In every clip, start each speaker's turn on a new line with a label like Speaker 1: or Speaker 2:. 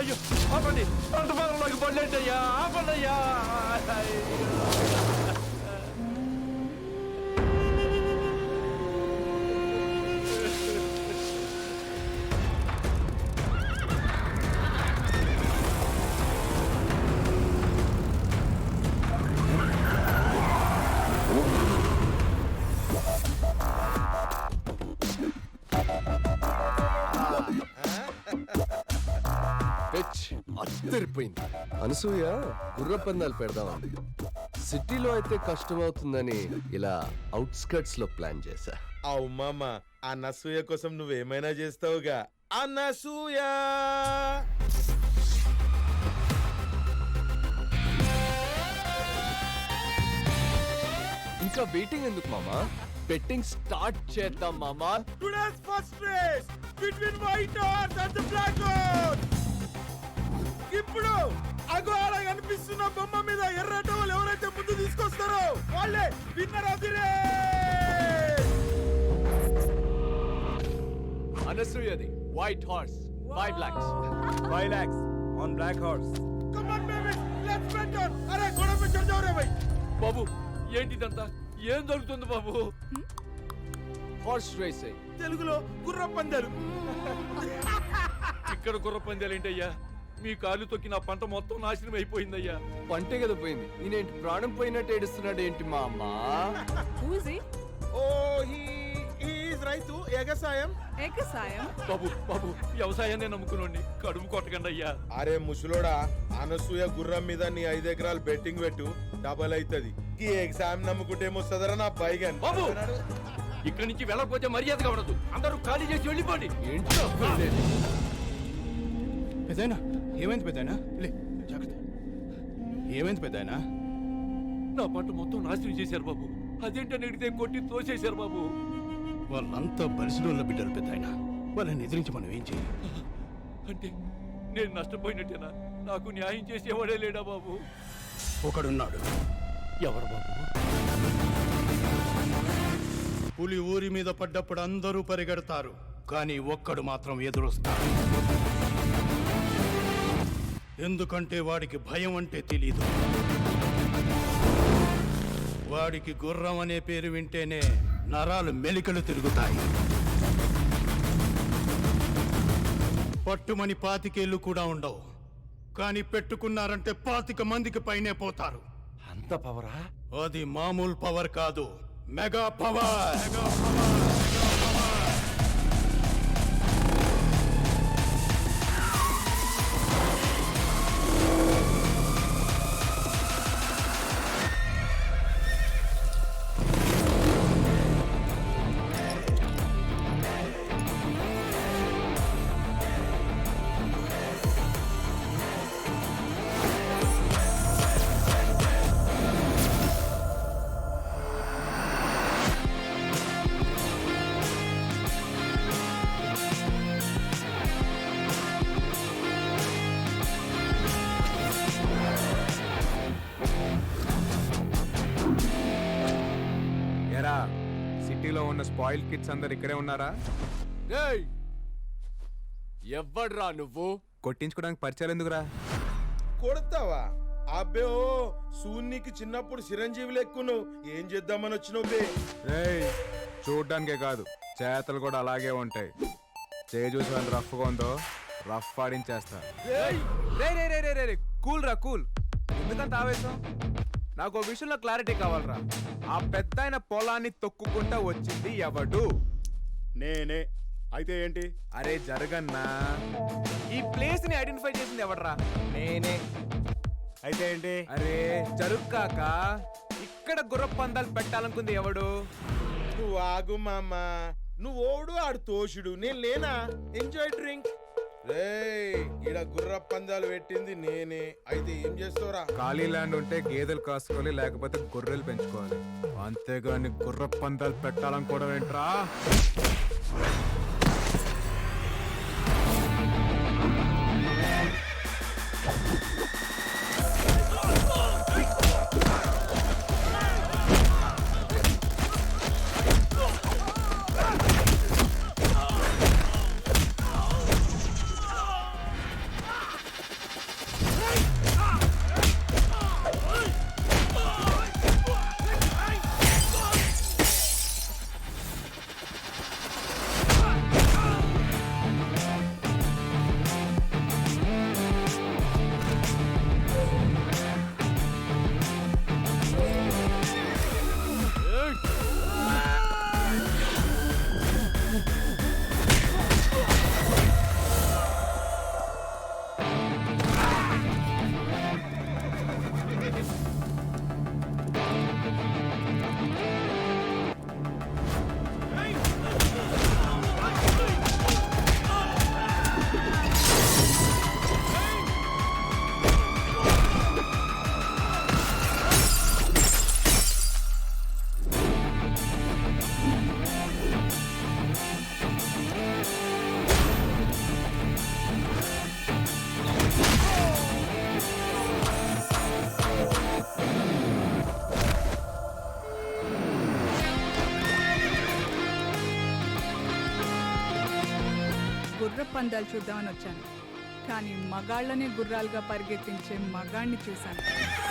Speaker 1: అయ్యో ఆపండి, పంట పొలంలోకి పడలేంటయ్యా, ఆపండయ్యా.
Speaker 2: అద్దరిపోయింది. అనసూయ గుర్ర పందాలు పెడదామంది. సిటీలో అయితే కష్టం అవుతుందని ఇలా అవుట్స్కర్ట్స్ లో ప్లాన్ చేశా.
Speaker 3: అవు మామ, అనసూయ కోసం నువ్వేమైనా చేస్తావుగా. అనసూయ
Speaker 2: ఇంకా వెయిటింగ్ ఎందుకు మామా? బెట్టింగ్ స్టార్ట్ చేద్దాం మామా.
Speaker 3: Today's first race between white horse and the black horse. ఇప్పుడు అగో అలా కనిపిస్తున్న బొమ్మ మీద ఎర్ర టవల్ ఎవరైతే ముందు తీసుకొస్తారో వాళ్ళే విన్నర్ ఆఫ్ ది రేస్.
Speaker 2: అనసూయది white horse, 5 lakhs.
Speaker 4: 5 lakhs on black horse.
Speaker 3: Come on baby, let's bet on. అరే గోడ మీద చల్ జాओ రే భాయ్.
Speaker 1: బాబు ఏంటిదంతా, ఏం జరుగుతుంది బాబు?
Speaker 2: హార్స్ రేసింగ్,
Speaker 3: తెలుగులో గుర్ర పందాలు.
Speaker 1: ఇక్కడ గుర్ర పందాలేంటయ్యా? మీ కాలు తొక్కి నా పంట మొత్తం నాశనం అయిపోయిందయ్యా.
Speaker 2: పంటే కదా పోయింది, ఈయనేంటి ప్రాణం పోయినట్టు ఏడుస్తున్నాడు ఏంటి మా అమ్మ?
Speaker 3: ఓ హీ ఈజ్ రైతు ఎగసాయం.
Speaker 1: బాబు బాబు వ్యవసాయాన్ని నమ్ముకునండి, కడుపు కొట్టకండి అయ్యా.
Speaker 3: అరే ముసలోడా, అనసూయ గుర్రం మీద నీ 5 ఎకరాలు బెట్టింగ్ పెట్టు, డబల్ అవుతుంది. ఈ ఎగ్జామ్ నమ్ముకుంటే ఏమొస్తుందరా నా పైగా.
Speaker 1: బాబు ఇక్కడి నుంచి వెళ్ళకపోతే మర్యాదగా ఉండదు, అందరూ ఖాళీ చేసి వెళ్ళిపోండి.
Speaker 2: ఏంటో
Speaker 4: పెద్దయినా ఏమైంది? పెద్దయినా లే, జాగ్రత్త. ఏమైంది పెద్దయినా?
Speaker 1: నా పంట మొత్తం నాశనం చేశారు బాబు. అదేంటని అడిగితే కొట్టి తోసేశారు బాబు.
Speaker 4: వాళ్ళంతా బలిసిడోళ్ళ బిడ్డలు పెద్దయినా, వాళ్ళని ఎదిరించి మనం ఏం చేయాలి?
Speaker 1: అంటే నేను నష్టపోయినట్టేనా? నాకు న్యాయం చేసేవాడే లేడా బాబు?
Speaker 4: ఒకడున్నాడు.
Speaker 1: ఎవరు బాబు?
Speaker 4: పులి ఊరి మీద పడ్డప్పుడు అందరూ పరిగెడతారు, కానీ ఒక్కడు మాత్రం ఎదురొస్తాడు. ఎందుకంటే వాడికి భయం అంటే తెలీదు. వాడికి గుర్రం అనే పేరు వింటేనే నరాలు మెలికలు తిరుగుతాయి. పట్టుమని 25 ఏళ్ళు కూడా ఉండవు, కానీ పెట్టుకున్నారంటే 25 మందికి పైనే పోతారు.
Speaker 1: అంత పవరా?
Speaker 4: అది మామూలు పవర్ కాదు, మెగా పవర్.
Speaker 5: సిటీలో ఉన్న స్పాయిల్ కిడ్స్ అందరు ఇక్కడే ఉన్నారా?
Speaker 2: ఎవ్వడ్రా నువ్వు?
Speaker 5: కొట్టించుకోవడానికి పరిచయాలు ఎందుకురా?
Speaker 3: కొడతావా? అబ్బే ఓ సూన్నికి చిన్నప్పుడు చిరంజీవి లెక్కును. ఏం చేద్దామని వచ్చినావు బే?
Speaker 5: రేయ్, చూడ్డానికే కాదు చేతలు కూడా అలాగే ఉంటాయి. చూసి వాళ్ళు రఫ్గా ఉందో రఫ్ ఆడించేస్తా. రే కూల్ రా, కూల్. ఎందుకంత ఆవేశం? నాకు ఓ విషయంలో క్లారిటీ కావాలరా. ఆ పెద్ద ఆయన పొలాన్ని తొక్కుకుంటా వచ్చింది ఎవడు?
Speaker 4: నేనే. అయితే ఏంటి?
Speaker 5: అరే జరగన్నా, ఈ ప్లేస్ ని ఐడెంటిఫై చేసింది ఎవడరా? నేనే.
Speaker 4: అయితే ఏంటి?
Speaker 5: అరే జరుక్కాక ఇక్కడ గుర్ర పందాలు పెట్టాలనుకుంది ఎవడు?
Speaker 3: నువ్వు ఆగు మామ, నువ్వు ఓడు ఆడు తోషుడు, నేను లేనా? Enjoy drink. రేయ్, ఈడ గుర్ర పందాలు పెట్టింది నేనే. అయితే ఏం చేస్తావురా?
Speaker 5: ఖాళీ ల్యాండ్ ఉంటే గేదెలు కాసుకోవాలి, లేకపోతే గొర్రెలు పెంచుకోవాలి. అంతేగాని గుర్ర పందాలు పెట్టాలనుకోవడం ఏంట్రా?
Speaker 6: గుర్ర పందాలు చూద్దామని వచ్చాను, కానీ మగాళ్ళనే గుర్రాలుగా పరిగెత్తించే మగాణ్ణి చూశాను.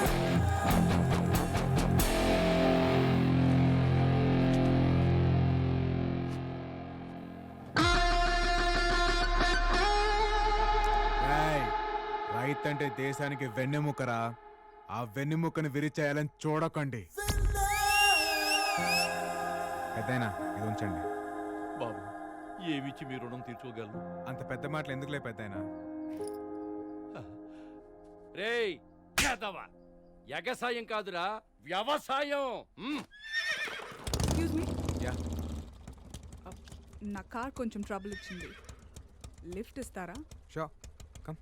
Speaker 5: రైతు అంటే దేశానికి వెన్నెముకరా. ఆ వెన్నెముకను విరిచేయాలని చూడకండి. పెద్దయినా ఇది ఉంచండి.
Speaker 1: బాబు ఏమిచ్చి మీ రుణం తీర్చుకోగలను?
Speaker 5: అంత పెద్ద మాటలు ఎందుకులే పెద్దయినా.
Speaker 1: రేయ్ యాదవ, ఎగసాయం కాదురా వ్యవసాయం.
Speaker 6: ఎక్స్క్యూజ్ మీ,
Speaker 5: యా
Speaker 6: నా కార్ కొంచెం ట్రబుల్ ఇచ్చింది, లిఫ్ట్ ఇస్తారా?
Speaker 5: Show come.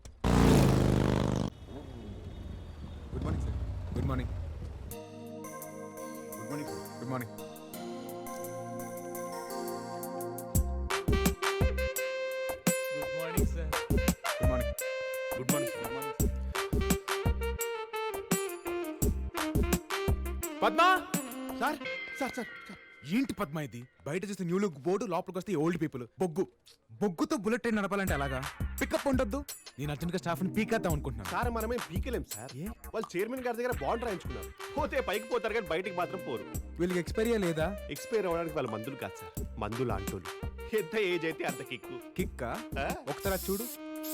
Speaker 5: Good morning sir. Good morning. Good morning sir. Good morning.
Speaker 1: Good morning sir.
Speaker 5: Good morning.
Speaker 1: Good morning. Good morning.
Speaker 5: Padma.
Speaker 3: Sir sir sir sir
Speaker 5: ఏంటి పద్మా ఇది? బయట చూస్తే new look board, లోపలికి వస్తే old people. బొగ్గుతో bullet train నడపాలంటే అలాగా? Pickup ఉండొద్దు. నేను అర్జెంట్గా స్టాఫ్ని పీకేద్దాం అనుకుంటున్నాను.
Speaker 3: సార్ మనమేం పీకలేం సార్.
Speaker 5: ఏ?
Speaker 3: వాళ్ళు చైర్మన్ గారి దగ్గర బాండ్ రాయించుకున్నారు. పోతే పైకి పోతారు కానీ బయటికి మాత్రం పోరు.
Speaker 5: వీళ్ళకి ఎక్స్పైరియా లేదా?
Speaker 3: ఎక్స్పైర్ అవ్వడానికి వాళ్ళ మందులు కాదు సార్, మందులు అంటోళ్ళు. ఎంత ఏజ్ అయితే అంత కిక్కు.
Speaker 5: కిక్కా?
Speaker 3: ఆ?
Speaker 5: ఒకసారి అది చూడు.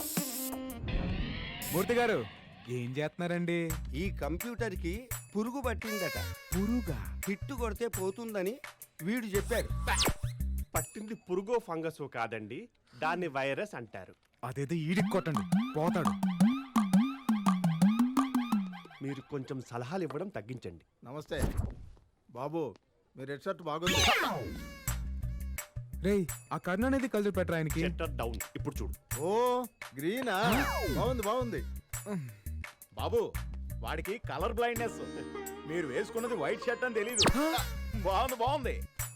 Speaker 5: మూర్తి గారు ఏం చేస్తున్నారండి?
Speaker 7: ఈ కంప్యూటర్ కి పురుగు పట్టిందట.
Speaker 5: పురుగా?
Speaker 7: హిట్టు కొడితే పోతుందని వీడు చెప్పాడు.
Speaker 3: పట్టింది పురుగో ఫంగస్ కాదండి, దాన్ని వైరస్ అంటారు.
Speaker 5: అదేదో ఈడికి కొట్టండి, పోతాడు.
Speaker 3: మీరు కొంచెం సలహాలు ఇవ్వడం తగ్గించండి.
Speaker 8: నమస్తే బాబు, మీ రెడ్ షర్ట్ బాగుంది.
Speaker 5: రేయ్ ఆ కర్ణ అనేది కలిసి పెట్టరా ఆయనకి.
Speaker 3: Shutter down. ఇప్పుడు చూడు.
Speaker 8: ఓ గ్రీనా, బాగుంది బాగుంది. బాబు వాడికి కలర్ బ్లైండ్నెస్, మీరు వేసుకున్నది వైట్ షర్ట్ అని తెలీదు. బాగుంది బాగుంది.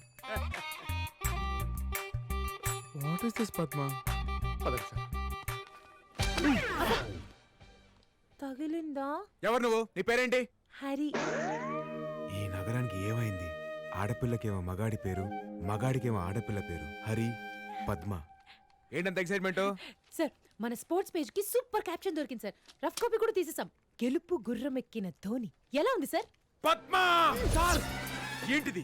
Speaker 5: What is this Padma?
Speaker 3: పదండి సార్.
Speaker 9: తగిలిందా?
Speaker 5: ఎవరు నువ్వు? నీ పేరేంటి?
Speaker 9: హరి.
Speaker 5: ఈ నగరానికి ఏమైంది? ఆడపిల్లకేమో మగాడి పేరు, మగాడికేమో ఆడపిల్ల పేరు. హరి, పద్మ. ఏంటంత ఎక్సైట్మెంట్?
Speaker 9: సార్ మన స్పోర్ట్స్ పేజ్ కి సూపర్ క్యాప్షన్ దొరికింది సార్. రఫ్ కాపీ కూడా తీసేసాం. గెలుపు గుర్రం ఎక్కిన ధోని. ఎలా ఉంది సార్?
Speaker 5: పద్మ సార్ ఏంటిది?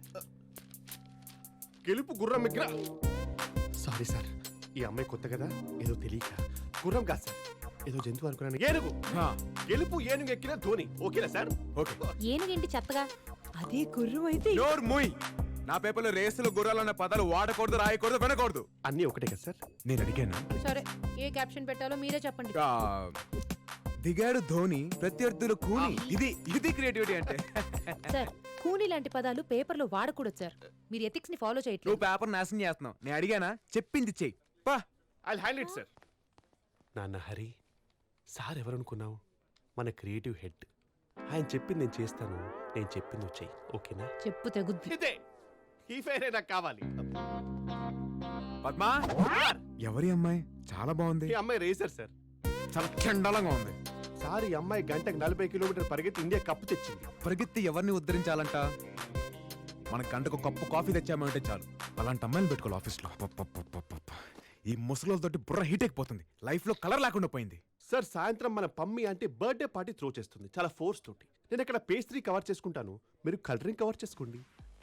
Speaker 3: గెలుపు గుర్రం ఎక్కడ? సారీ సార్, ఈ అమ్మాయి కొత్త కదా, ఏదో తెలియక గుర్రం కాదు సార్, ఏదో జంతువు అనుకున్నాను. ఏనుగు. గెలుపు ఏనుగు ఎక్కిన ధోని. ఓకేనా సార్?
Speaker 5: ఓకే.
Speaker 9: ఏనుగేంటి చెత్తగా? అదే గుర్రం అయితే.
Speaker 5: నోర్ మూయ్. నా పేపర్లో రేసులు గుర్రాలు అన్న పదాలు వాడకూడదు, రాయకూడదు, వినకూడదు.
Speaker 3: అన్నీ ఒకటే కదా సార్?
Speaker 5: నేను అడిగాను.
Speaker 9: సరే ఏ క్యాప్షన్ పెట్టాలో మీరే చెప్పండి.
Speaker 5: దిగాడు ధోని, ప్రత్యర్థులు కూని. ఇది క్రియేటివిటీ అంటే.
Speaker 9: సార్ కూని లాంటి పదాలు పేపర్లో వాడకూడదు సార్. మీరు ఎథిక్స్ ని ఫాలో చేయట్లేదు.
Speaker 5: నువ్వు పేపర్ నాశనం చేస్తున్నావు. నేను అడిగానా? చెప్పింది చెయ్యి. పా.
Speaker 3: I'll handle it sir. నాన్న హరి, సార్ ఎవరనుకున్నావు? మన క్రియేటివ్ హెడ్. ఆయన చెప్పింది నేను చేస్తాను, నేను చెప్పింది వచ్చాయి. ఓకేనా?
Speaker 9: చెప్పు తెగుద్ది.
Speaker 3: ఇదే ఈ ఫైరే నాకు కావాలి.
Speaker 5: పద్మా. ఎవరి అమ్మాయి? చాలా బాగుంది.
Speaker 3: ఈ అమ్మాయి రేసర్ సార్.
Speaker 5: చాలా చండాలంగా ఉంది.
Speaker 3: సార్ ఈ అమ్మాయి గంటకు 40 కిలోమీటర్ పరిగెత్తి ఇండియా కప్పు తెచ్చింది.
Speaker 5: పరిగెత్తి ఎవరిని ఉద్ధరించాలంట? మన గంటకు కప్పు కాఫీ తెచ్చామంటే చాలు. అలాంటి అమ్మాయిలు పెట్టుకోవాలి ఆఫీస్లో. ఈ ముసలోళ్ళతోటి బుర్ర హీట్ అయిపోతుంది. లైఫ్ లో కలర్ లేకుండా పోయింది.
Speaker 3: సార్ సాయంత్రం మన పమ్మి అంటే బర్త్డే పార్టీ త్రో చేస్తుంది, చాలా ఫోర్స్ తోటి. నేను ఇక్కడ పేస్ట్రీ కవర్ చేసుకుంటాను, మీరు కలరింగ్ కవర్ చేసుకోండి.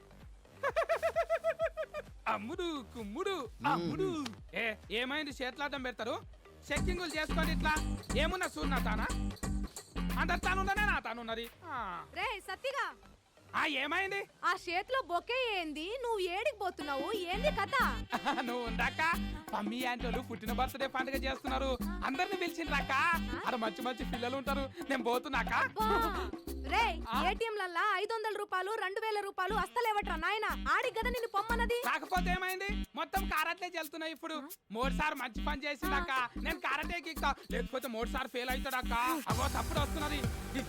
Speaker 10: అమ్ముడు కుమ్ముడు అమ్ముడు. ఏమైంది? చేతులాటం పెడతారు, చెక్కింగులు చేసుకోండి. ఇట్లా ఏమున్నా సూర్నా తానా? అందరు తానున్నదే నా తానున్నది.
Speaker 9: రే సత్తిగా,
Speaker 10: ఏమైంది?
Speaker 9: ఆ చేతిలో బొకే ఏంది? నువ్వు ఏడికి పోతున్నావు? ఏంది కథ?
Speaker 10: నువ్వు ఉందాక మమ్మీ ఆంటీ పుట్టిన బర్త్డే పండుగ చేస్తున్నారు. అందరిని పిలిచిండ్రాక. అక్కడ మంచి మంచి పిల్లలు ఉంటారు. నేను పోతున్నాక.
Speaker 9: రే ఏటీఎంలల్లా 500 రూపాయలు 2000 రూపాయలు అస్తలేవట్రా నాయన. ఆడి గద నిన్ను పొమ్మన్నది.
Speaker 10: కాకపోతే ఏమైంది? మొత్తం కారటే చెల్తున్నాయి ఇప్పుడు. 3 సార్ మంచి పని చేసిందాక నేను కారటేకి ఎక్కుతా, లేకపోతే 3 సార్ ఫెయిల్ అవుతాడాక. అవో తప్పుడు వస్తున్నది.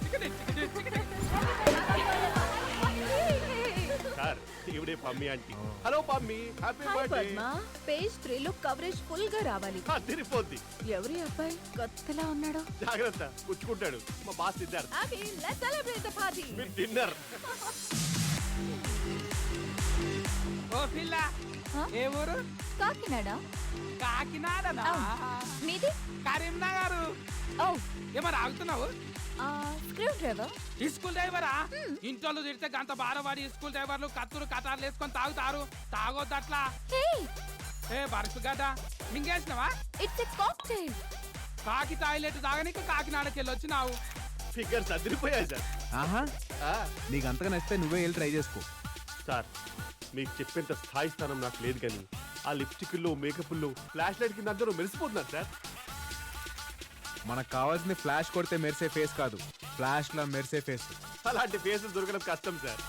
Speaker 3: సార్ ఇవిడే Pammi aunty. Hello Pammi, happy birthday.
Speaker 9: Page 3 లో కవరేజ్ ఫుల్ గా రావాలి.
Speaker 3: తిరిగిపోద్ది.
Speaker 9: ఎవరి అబ్బాయి కొత్తలా ఉన్నాడు?
Speaker 3: జాగ్రత్త, పుచ్చుకుంటాడు. మా బాస్ సిద్ధార్థ్.
Speaker 9: అభి లెట్స్ సెలబ్రేట్ ద పార్టీ.
Speaker 3: మీ డిన్నర్.
Speaker 10: ఓ పిల్ల ఏ ఊరు?
Speaker 9: కాకినాడ.
Speaker 10: కాకినాడనా?
Speaker 9: మీది?
Speaker 10: కరీంనగర్.
Speaker 9: ఓ,
Speaker 10: ఏమరా ఆగుతున్నావు?
Speaker 9: Screw driver.
Speaker 10: ఈ స్కూల్ డ్రైవరా? ఇంట్లో తిడితే గంత బారవాడి స్కూల్ డ్రైవర్లు కత్తులు కటార్లు వేసుకొని తాగుతారు. తాగొద్దు అట్లా. ఏ బరుసు గడ్డ మింగేసినవా?
Speaker 9: It's a cocktail.
Speaker 10: కాకి టాయిలెట్ తాగనీకి కాకినాడకి వెళ్ళి వచ్చినావు.
Speaker 8: ఫిగర్స్ అదిరిపోయాయి సార్.
Speaker 5: ఆహా, నీకు అంతగా నచ్చితే నువ్వే వెళ్ళి ట్రై చేసుకో.
Speaker 8: సార్ మీకు చెప్పేంత స్థాయి స్థానం నాకు లేదు కానీ ఆ లిప్స్టిక్లో మేకప్లో ఫ్లాష్ లైట్ కింద అందరూ మెరిసిపోతున్నారు సార్.
Speaker 5: మనకు కావాల్సింది ఫ్లాష్ కొడితే మెరిసే ఫేస్ కాదు, ఫ్లాష్ లా మెరిసే ఫేస్.
Speaker 8: అలాంటి ఫేసులు దొరకడం కష్టం సార్.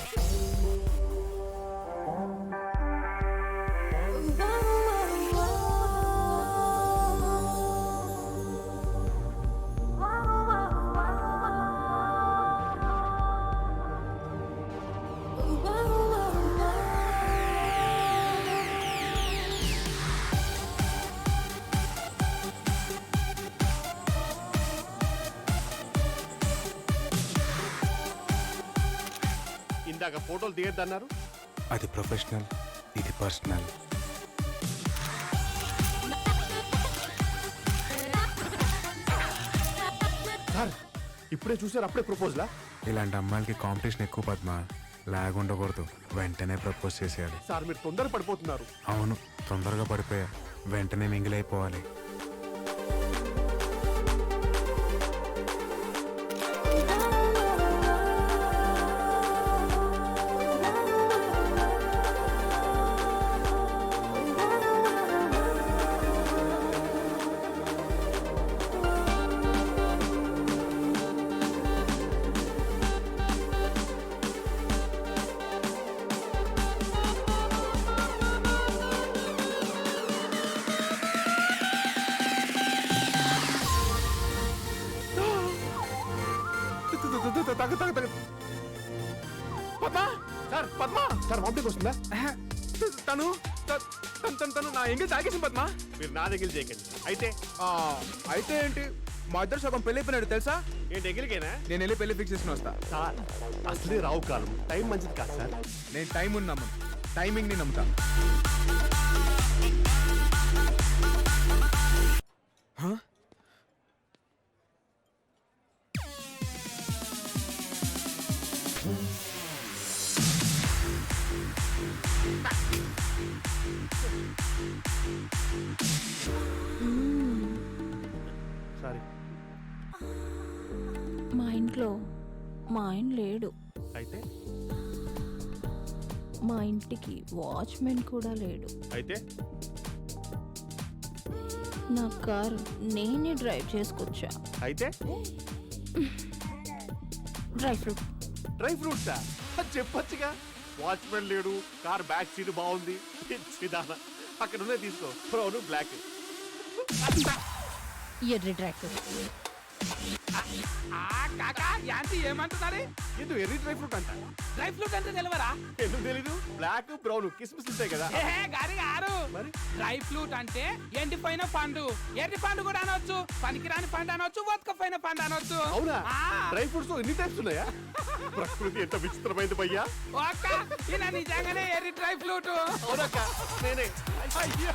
Speaker 8: ఇందాక ఫోటోలు దిగద్దన్నారు.
Speaker 5: అది ప్రొఫెషనల్, ఇది పర్సనల్.
Speaker 8: సార్ ఇప్పుడే చూసారు, అప్పుడే ప్రపోజలా?
Speaker 5: ఇలాంటి అమ్మాయిలకి కాంపిటీషన్ ఎక్కువ పద్మ. లాగ్ ఉండకూడదు, వెంటనే ప్రపోజ్ చేసేయాలి.
Speaker 8: సార్ మీరు తొందర పడిపోతున్నారు.
Speaker 5: అవును, తొందరగా పడిపోయా, వెంటనే మింగిలైపోవాలి.
Speaker 8: Padma sir, Padma sir vomiting వస్తుందా?
Speaker 5: తను నా ఎంగిల్ తాగేసింది పద్మ.
Speaker 8: మీరు నా దగ్గర చేయకండి. అయితే
Speaker 5: అయితే ఏంటి, మా ఇద్దరు సగం పెళ్లి అయిపోయినాడు తెలుసా.
Speaker 8: ఏంటి ఎగిరికేనా?
Speaker 5: నేను వెళ్ళి పెళ్లి ఫిక్స్ చేసుకుని వస్తా.
Speaker 8: సార్ అసలే రావు కాలం, టైం మంచిది కాదు సార్.
Speaker 5: నేను టైం నమ్మను, టైమింగ్ ని నమ్ముతా.
Speaker 8: సారీ.
Speaker 9: మా ఇంట్లో మా ఆయన లేడు.
Speaker 8: అయితే
Speaker 9: మా ఇంటికి వాచ్మెన్ కూడా లేడు.
Speaker 8: అయితే
Speaker 9: నా కారు నేనే డ్రైవ్ చేసుకొచ్చా.
Speaker 8: అయితే
Speaker 9: డ్రై ఫ్రూట్.
Speaker 8: డ్రై ఫ్రూట్సా? చెప్పొచ్చుగా. వాచ్మెన్ లేడు, కార్ బ్యాక్ సీట్ బాగుంది. సిదానా అక్కడ ఉన్నాయి తీసుకో. Brown black.
Speaker 9: ఎర్రి డ్రై ఫ్రూట్.
Speaker 10: కాకా యాంటీ ఏమంటున్నారు?
Speaker 8: ఎందుకు ఎర్రీ డ్రై ఫ్రూట్ అంట?
Speaker 10: డ్రై ఫ్రూట్ అంటే తెలియరా?
Speaker 8: ఎందుకు తెలీదు? బ్లాక్ బ్రౌన్ కిస్మిస్ ఉంటాయి కదా.
Speaker 10: గారి గారు, డ్రై ఫ్రూట్ అంటే ఎండిపోయిన పండు. ఎర్రి పండు కూడా అనొచ్చు, పనికిరాని పండు అనొచ్చు, వతకపోయిన పండు అనొచ్చు.
Speaker 8: అవునా? డ్రై ఫ్రూట్స్ ఎన్ని టైప్స్ ఉన్నాయా? ప్రకృతి ఎంత విచిత్రమైంది భయ్యా.
Speaker 10: ఈయన నిజంగానే ఎర్రి డ్రై ఫ్రూట్.
Speaker 8: అవునక్క, నేనే. అయ్యా.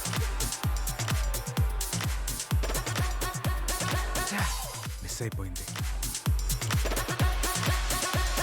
Speaker 5: మిస్ అయిపోయింది.